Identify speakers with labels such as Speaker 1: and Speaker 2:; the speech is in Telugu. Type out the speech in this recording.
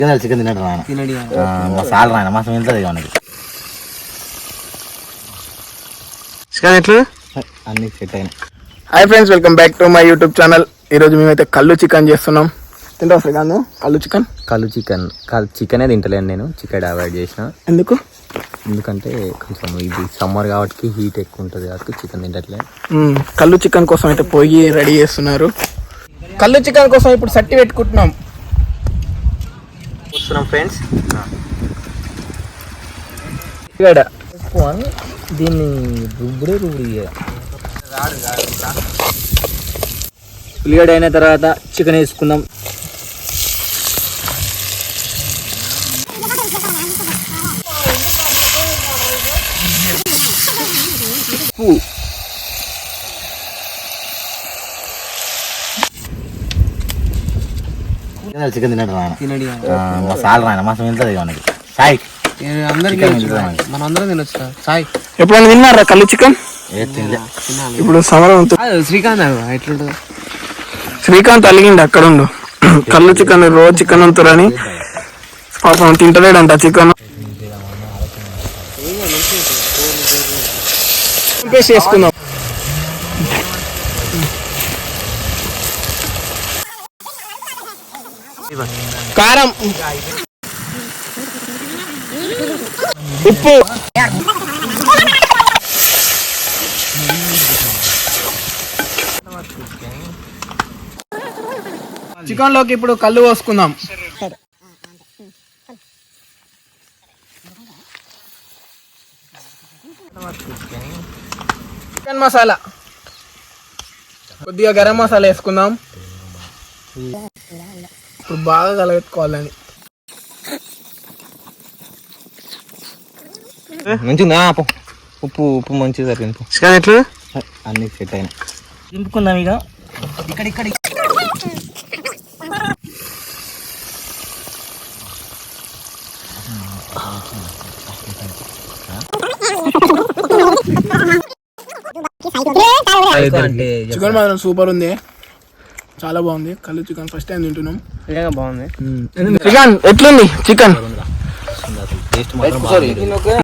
Speaker 1: చికెన్ తినడు మసాలా రాయన మాసం వెళ్తుంది మనకి
Speaker 2: చికెన్ ఎట్లా
Speaker 1: అన్ని సెట్ అయినాయి.
Speaker 2: Hi friends, welcome back to my YouTube channel. ఈరోజు మేమైతే కళ్ళు చికెన్ చేస్తున్నాం. తింటావు శ్రీకాంత్ కళ్ళు చికెన్?
Speaker 1: చికెనే తింటలేను నేను, చికెన్ అవాయిడ్ చేసిన. ఎందుకంటే కొంచెం ఇది సమ్మర్ కాబట్టి హీట్ ఎక్కువ ఉంటుంది కాబట్టి చికెన్ తింటట్లేదు.
Speaker 2: కళ్ళు చికెన్ కోసం అయితే పోయి రెడీ చేస్తున్నారు. కళ్ళు చికెన్ కోసం ఇప్పుడు సట్టి పెట్టుకుంటున్నాం
Speaker 1: ఫ్రెండ్స్. దీన్ని ఉల్లిగడ్డ అయిన తర్వాత చికెన్ వేసుకుందాం. చికెన్ తినడు మసాలా రాయన మాసం వెళ్తుంది మనకి. సాయి
Speaker 3: మనందరం తినొచ్చు సాయి.
Speaker 2: ఎప్పుడైనా తిన్నారా కళ్ళు చికెన్? ఇప్పుడు సమరం
Speaker 3: శ్రీకాంత్ ఎట్లుంటుంది?
Speaker 2: శ్రీకాంత్ అలిగిండి అక్కడ ఉండు. కళ్ళు చికెన్ రోజు చికెన్ అంతురని పాపం తింటలేడంట చికెన్. చేసుకుందాం. కారం, ఉప్పు, చికెన్ లోకి ఇప్పుడు కళ్ళు పోసుకుందాం. చికెన్ మసాలా, కొద్దిగా గరం మసాలా వేసుకుందాం. ఇప్పుడు బాగా కలబెట్టుకోవాలని.
Speaker 1: మంచిగా ఉప్పు ఉప్పు మంచిగా సరిపోయింది.
Speaker 2: చికెన్ ఎట్లా
Speaker 1: అన్ని సెట్ అయినాయి. దింపుకుందాం ఇక. ఇక్కడ
Speaker 2: చికెన్ మాత్రం సూపర్ ఉంది, చాలా బాగుంది. కళ్ళు చికెన్ ఫస్ట్ టైం తింటున్నాం.
Speaker 3: బాగుంది.
Speaker 2: చికెన్ ఎట్లుంది? చికెన్
Speaker 1: టేస్ట్ మాత్రం